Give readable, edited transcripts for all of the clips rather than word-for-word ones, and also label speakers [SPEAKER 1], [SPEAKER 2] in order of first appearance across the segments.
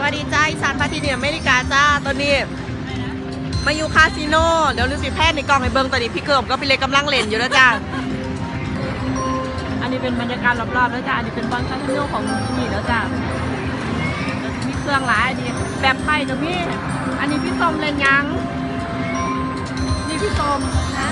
[SPEAKER 1] วัสดีจ้าอีสานพาทีเนียอเมริกาจ้าตอนนี้มาอยู่คาสิโนเดี๋ยวดูสิแพทย์ในกล่องให้เบิ้งตอนนี้พี่เกิมก็พี่เล็กกำลังเล่นอยู่แล้วจ้าอันนี้เป็นบรรยากาศรอบๆแล้วจ้าอันนี้เป็นบอลคาสิโนของที่นี่แล้วจ้ามีเครื่องหลายอันนี้แบบไทยกับพี่อันนี้พี่ส้มเล่นยังนี่พี่ส้มนะ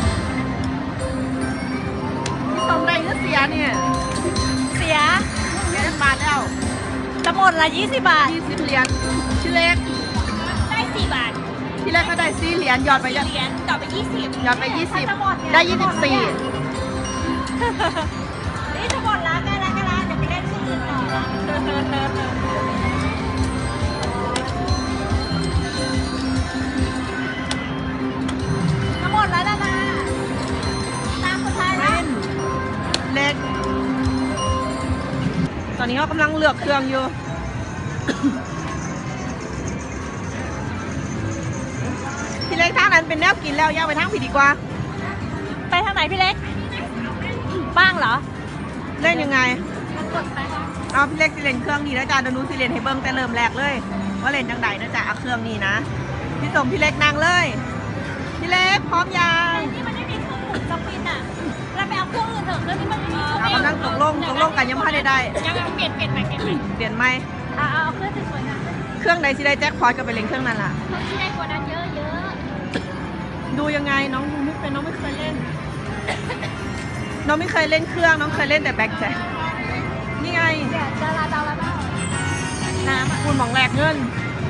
[SPEAKER 1] พี่ส้มได้ก็เสียเนี่ยเสียบาทแล้วจะหมดละ20 บาท20 เหรียญชื่อเล็ก
[SPEAKER 2] ได้4 บาท
[SPEAKER 1] ที่แรกก็ได้4 เหรียญหยอดไป
[SPEAKER 2] เหรียญต่อไป20
[SPEAKER 1] หยอดไป20ได้24
[SPEAKER 2] นี่จะหมดละใกล้ละเดี๋ยวไปเล่นชื่ออื่นต่อละจะหมดแล้วนะตามคนไทยแล้ว
[SPEAKER 1] เล็กตอนนี้เขากำลังเลือกเครื่องอยู่ พี่เล็กทางนั้นเป็นแนวกินแล้วย่างไปทางผิดดีกว่า
[SPEAKER 2] ไปทางไหนพี่เล็กบ้างเหรอ
[SPEAKER 1] เล่นยังไงเอาพี่เล็กสิเล่นเครื่องนี้นะจ๊ะเดี๋ยวนู้นสิเล่นให้เบิ้งแต่เริ่มแรกเลยว่าเล่นจังใดนะจ๊ะเอาเครื่องนี้นะพี่ส่งพี่เล็กนั่งเลยพี่เล็กพร้อมยัง
[SPEAKER 2] นี่มันไม่มีเครื่องหมุนสปินอ่ะเราไปเอาเครื่องอื่นเถอะเครื่องนี้มันไม่มี
[SPEAKER 1] กำลังตกลงกันยังไม่ได้
[SPEAKER 2] ยังเปลี่ยนไหมเปลี่ยนไหมเอาเครื่องสวยๆนะ
[SPEAKER 1] เครื่องไหนสิได้แจ็คพอตก็ไปเล่นเครื่องนั้นล่ะ
[SPEAKER 2] เครื่องที่ได้กว่านั้นเยอะ
[SPEAKER 1] ดูยังไงน้องดูไม่เป็นน้องไม่เคยเล่นน้องไม่เคยเล่นเครื่องน้องเคยเล่นแต่แบ็คแจ็คนี่ไง
[SPEAKER 2] ดาราเบ้าน้ำ
[SPEAKER 1] คุณหมองแหลกเงิน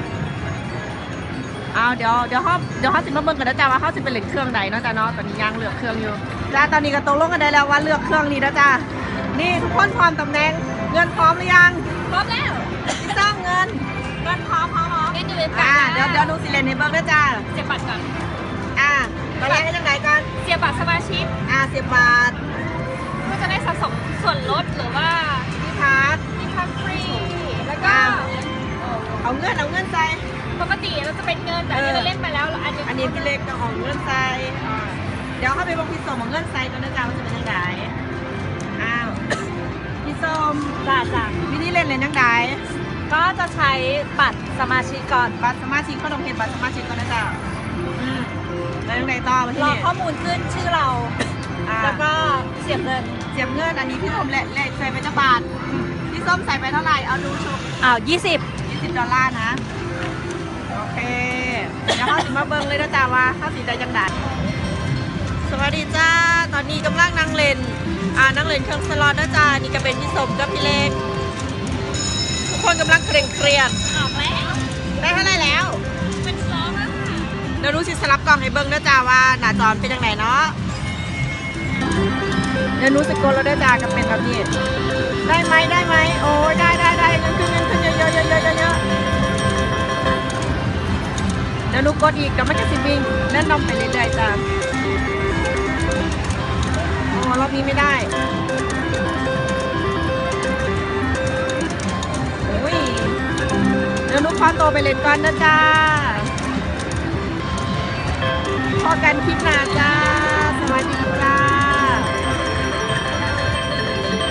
[SPEAKER 1] เอาเดี๋ยวเขาสิมาเบิ่งกันนะจ๊ะว่าเขาสิเป็นเล่นเครื่องใดเนาะจ๊ะเนาะตอนนี้ยังเลือกเครื่องอยู่แล้วตอนนี้ก็ตกลงกันได้แล้วว่าเลือกเครื่องนี้นะจ๊ะนี่ทุกคนพร้อมตำแหน่งเงินพร้อมหรือยัง
[SPEAKER 2] พร้อมแล้ว
[SPEAKER 1] พี่ต้องเงินพร้อม
[SPEAKER 2] เงินอยู่ใน
[SPEAKER 1] ปากเดี๋ยวดูสิเล่นให้เบิ่งนะจ๊ะ
[SPEAKER 2] เสียบบัตรก่อน
[SPEAKER 1] ตอนแรกให้จังไหนก่อน
[SPEAKER 2] เสียบบัตรสมาชิก
[SPEAKER 1] เสียบบาท
[SPEAKER 2] ก็จะได้สะสมส่วนลดหรือว่า
[SPEAKER 1] ที่พัก
[SPEAKER 2] ฟรีแล้วก็
[SPEAKER 1] เอาเงินใส่
[SPEAKER 2] ปกติเราจะเป็นเงินแต่ที่เราเล่นไปแล้ว
[SPEAKER 1] อันนี้พี่เล็กจะเอาเงินใส่เดี๋ยวเข้าไปบอกพี่ส้มเอาเงินใส่ก่อนนะจ๊ะว่าจะเป็นยังไงพี่ส้ม
[SPEAKER 2] จ้า
[SPEAKER 1] วิธีเล่นยังไง
[SPEAKER 2] ก็จะใช้บัตรสมาชิกก่อน
[SPEAKER 1] บัตรสมาชิกก็ต้องเห็นบัตรสมาชิกก่อนนะจ๊ะแล้วยังไงต่อมาที่
[SPEAKER 2] นี่
[SPEAKER 1] รอ
[SPEAKER 2] ข้อมูลขึ้นชื่อเราแล้วก็เสียบเงิน
[SPEAKER 1] อันนี้พี่ส้มแหละใส่ไปจะบาทพี่ส้มใส่ไปเท่าไหร่เอาดูชุบ$20นะโอเคเดี๋ยวเข้าสิมาเบิ้งเลยนะจ๊ะว่าเข้าสีได้จังดัดสวัสดีจ้าตอนนี้กำลังนั่งเล่นนั่งเล่นเครื่องสล็อตนะจ๊ะนี่ก็เป็นพี่ส้มกับพี่เล็กทุกคนกำลังเครียด
[SPEAKER 2] ออกแล้ว
[SPEAKER 1] ได้เท่าไหร่แล้ว
[SPEAKER 2] เป็น2แล้วค่ะ
[SPEAKER 1] เดี๋ยวรู้สิสลับกล่องให้เบิ้งนะจ๊ะว่าหน้าจอเป็นยังไงเนาะเดี๋ยวรู้สึกกดแล้วได้จ้ากับเป็นแบบนี้ได้ไหมโอ้ยได้เงินขึ้นเยอะเดี๋ยวนุกกดอีกกับไม่กระสิบวิ่งเล่นนมไปเรื่อยๆจ้าโอ้รอบนี้ไม่ได้อุ้ยเดี๋ยวนุกขอตัวไปเล่นก่อนนะจ้าพอกันคลิปหน้าจ้าสวัสดีจ้า